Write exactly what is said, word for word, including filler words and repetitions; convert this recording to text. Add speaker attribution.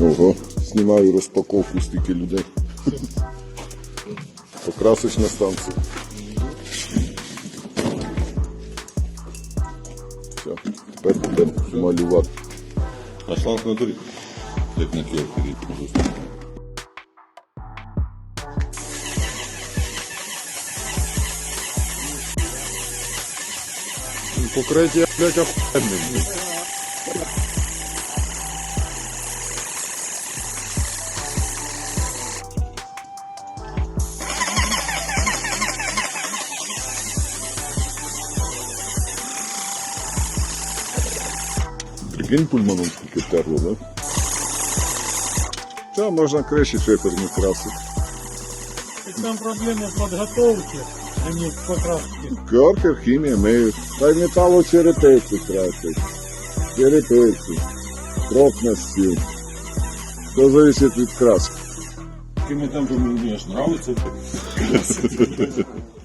Speaker 1: Ого, знімаю розпаковку, стільки людей. Покрасочна станція. Все, тепер будемо малювати.
Speaker 2: А шланг на дурі? Як на кіоскері.
Speaker 1: Покриття, блядь, охуєнне. Прикинь, пульманом скільки терло, да? Та можна криші шиферні красити.
Speaker 3: Там проблема подготовки, а не покраски.
Speaker 1: Керкер, хімія, миють. Та й металочерепиці красить. Черепиці. Крок на стіл. Все залежить від краски.
Speaker 2: Якими темпами мені аж нравиться.